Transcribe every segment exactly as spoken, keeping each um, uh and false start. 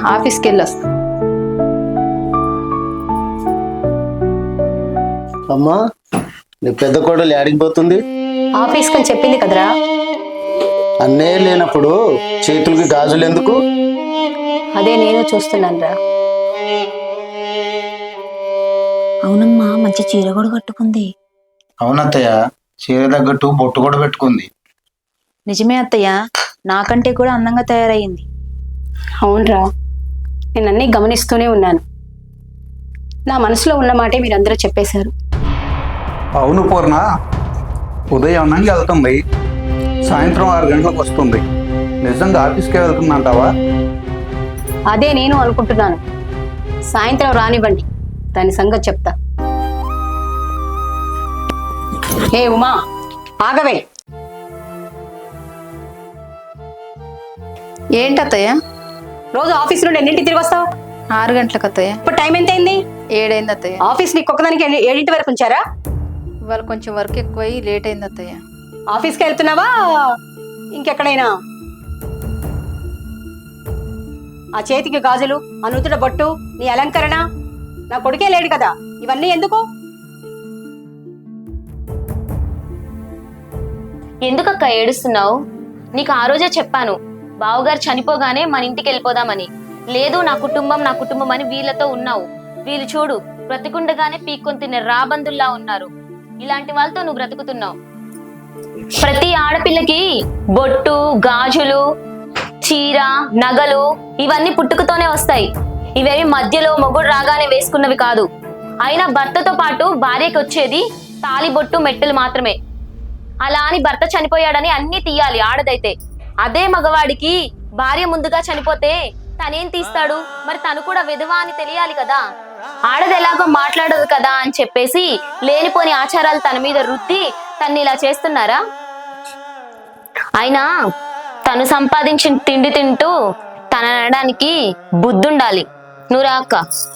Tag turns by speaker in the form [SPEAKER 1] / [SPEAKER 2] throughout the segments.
[SPEAKER 1] ఆఫీస్కి వెళ్ళి వస్తా.
[SPEAKER 2] అమ్మా, నీ పెద్ద కోడలు యాడికి పోతుంది?
[SPEAKER 1] ఆఫీస్కి అని చెప్పింది కదరా.
[SPEAKER 2] అన్నే లేనప్పుడు చేతులకి గాజులు ఎందుకు?
[SPEAKER 1] అదే నేను చూస్తున్నాను రా.
[SPEAKER 3] అవునమ్మా, మంచి చీర కూడా కట్టుకుంది.
[SPEAKER 4] అవునత్తయ్య, చీర తగ్గట్టు బొట్టు కూడా పెట్టుకుంది.
[SPEAKER 3] నిజమే అత్తయ్య, నాకంటే కూడా అందంగా తయారయ్యింది.
[SPEAKER 1] అవునరా, నేను అన్నీ గమనిస్తూనే ఉన్నాను. నా మనసులో ఉన్న మాటే మీరందరూ చెప్పేశారు.
[SPEAKER 5] అవును పూర్ణ, ఉదయం అన్నంగా వెళ్తుంది, సాయంత్రం ఆరు గంటలకు వస్తుంది. నిజంగా ఆఫీస్కే వెళ్తుందంటావా?
[SPEAKER 1] అదే నేను అనుకుంటున్నాను. సాయంత్రం రానివ్వండి, దాని సంగతి చెప్తా. ఏ ఉమా, ఆగవే.
[SPEAKER 6] ఏంటత్తయ్య?
[SPEAKER 1] రోజు ఆఫీస్ నుండి ఎన్నింటికి తిరిగి వస్తావు?
[SPEAKER 6] ఆరు గంటలకు అత్తయ్య.
[SPEAKER 1] ఇప్పుడు టైం ఎంత అయింది?
[SPEAKER 6] ఏడైంది అత్తయ్య.
[SPEAKER 1] ఆఫీస్ నీకు ఒక్కదానికి ఎన్ని- ఏడింటి వరకు ఉంచారా?
[SPEAKER 6] ఇవాళ కొంచెం వర్క్ ఎక్కువై లేట్ అయింది అత్తయ్య.
[SPEAKER 1] ఆఫీస్కి వెళ్తున్నావా ఇంకెక్కడైనా? ఆ చేతికి గాజులు, ఆ నుదుట బొట్టు, నీ అలంకరణ, నా కొడుకే లేడు కదా, ఇవన్నీ ఎందుకు?
[SPEAKER 7] ఎందుకక్క ఏడుస్తున్నావు? నీకు ఆ రోజే చెప్పాను, బావగారు చనిపోగానే మన ఇంటికి వెళ్ళిపోదామని. లేదు, నా కుటుంబం నా కుటుంబం అని వీళ్ళతో ఉన్నావు. వీళ్ళు చూడు, బ్రతికుండగానే పీక్కొని తినే రాబందుల్లా ఉన్నారు. ఇలాంటి వాళ్ళతో నువ్వు బ్రతుకుతున్నావు. ప్రతి ఆడపిల్లకి బొట్టు, గాజులు, చీర, నగలు ఇవన్నీ పుట్టుకతోనే వస్తాయి. ఇవేమి మధ్యలో మొగుడు రాగానే వేసుకున్నవి కాదు. అయినా భర్తతో పాటు భార్యకి వచ్చేది తాళి, బొట్టు, మెట్టెలు మాత్రమే. అలా అని భర్త చనిపోయాడని అన్ని తీయాలి ఆడదైతే. అదే మగవాడికి భార్య ముందుగా చనిపోతే తనేం తీస్తాడు? మరి తను కూడా విధవా అని తెలియాలి కదా. ఆడది ఎలాగో మాట్లాడదు కదా అని చెప్పేసి లేనిపోని ఆచారాలు తన మీద రుద్ది తన్ని ఇలా చేస్తున్నారా? అయినా తను సంపాదించిన తిండి తింటూ తన అనడానికి బుద్ధుండాలి. నువ్వు రాక్క.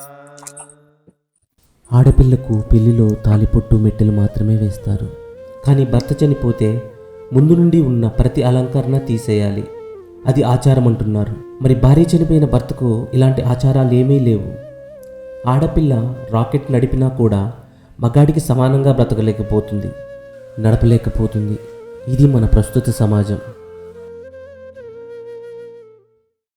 [SPEAKER 8] ఆడపిల్లకు పెళ్లిలో తాలిపొట్టు, మెట్టెలు మాత్రమే వేస్తారు. కానీ భర్త చనిపోతే ముందు నుండి ఉన్న ప్రతి అలంకరణ తీసేయాలి. అది ఆచారం అంటున్నారు. మరి భార్య చనిపోయిన భర్తకు ఇలాంటి ఆచారాలు ఏమీ లేవు. ఆడపిల్ల రాకెట్ నడిపినా కూడా మగాడికి సమానంగా బ్రతకలేకపోతుంది, నడపలేకపోతుంది. ఇది మన ప్రస్తుత సమాజం.